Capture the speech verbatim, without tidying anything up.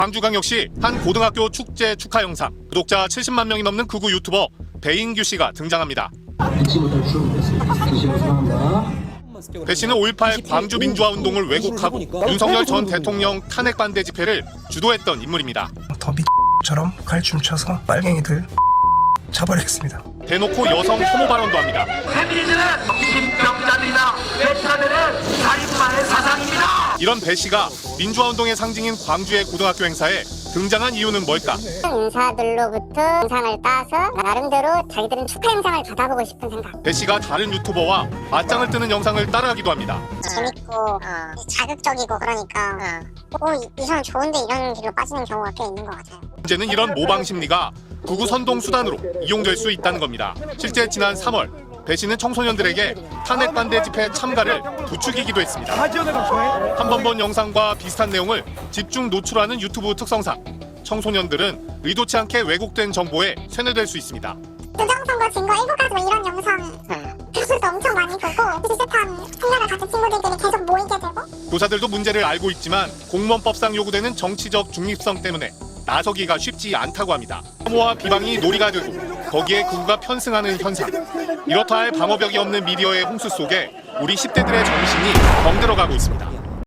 광주광역시 한 고등학교 축제 축하 영상. 구독자 칠십만 명이 넘는 극우 유튜버 배인규 씨가 등장합니다. 배 씨는 오일팔 광주 민주화 운동을 왜곡하고 윤석열 전 대통령 탄핵 반대 집회를 주도했던 인물입니다. 더 미처럼 갈춤쳐서 빨갱이들 잡아내겠습니다. 대놓고 여성 혐오 발언도 합니다. 페미니즘은 정신병자들이나 외차들은 살인마의 사상입니다. 이런 배 씨가 민주화 운동의 상징인 광주의 고등학교 행사에 등장한 이유는 뭘까? 인사들로부터 영상을 따서 나름대로 자기들은 축하 영상을 받아보고 싶은 생각. 배 씨가 다른 유튜버와 맞짱을 뜨는 영상을 따라하기도 합니다. 재밌고 어. 자극적이고 그러니까 어. 오, 이, 이 사람 좋은데 이런 길로 빠지는 경우가 꽤 있는 것 같아요. 문제는 이런 모방 심리가 극우 선동 수단으로 이용될 수 있다는 겁니다. 실제 지난 삼월 배 씨는 청소년들에게 탄핵 반대 집회 참가를 부추기기도 했습니다. 한 번 본 영상과 비슷한 내용을 집중 노출하는 유튜브 특성상 청소년들은 의도치 않게 왜곡된 정보에 세뇌될 수 있습니다. 부정선거 증거 일곱 가지 뭐 이런 영상 교수도 엄청 많이 보고 비슷한 생각을 가진 친구들끼리 계속 모이게 되고 교사들도 문제를 알고 있지만 공무원법상 요구되는 정치적 중립성 때문에 나서기가 쉽지 않다고 합니다. 혐오와 비방이 놀이가 되고 거기에 극우가 편승하는 현상. 이렇다 할 방어벽이 없는 미디어의 홍수 속에 우리 십 대들의 정신이 병들어가고 있습니다.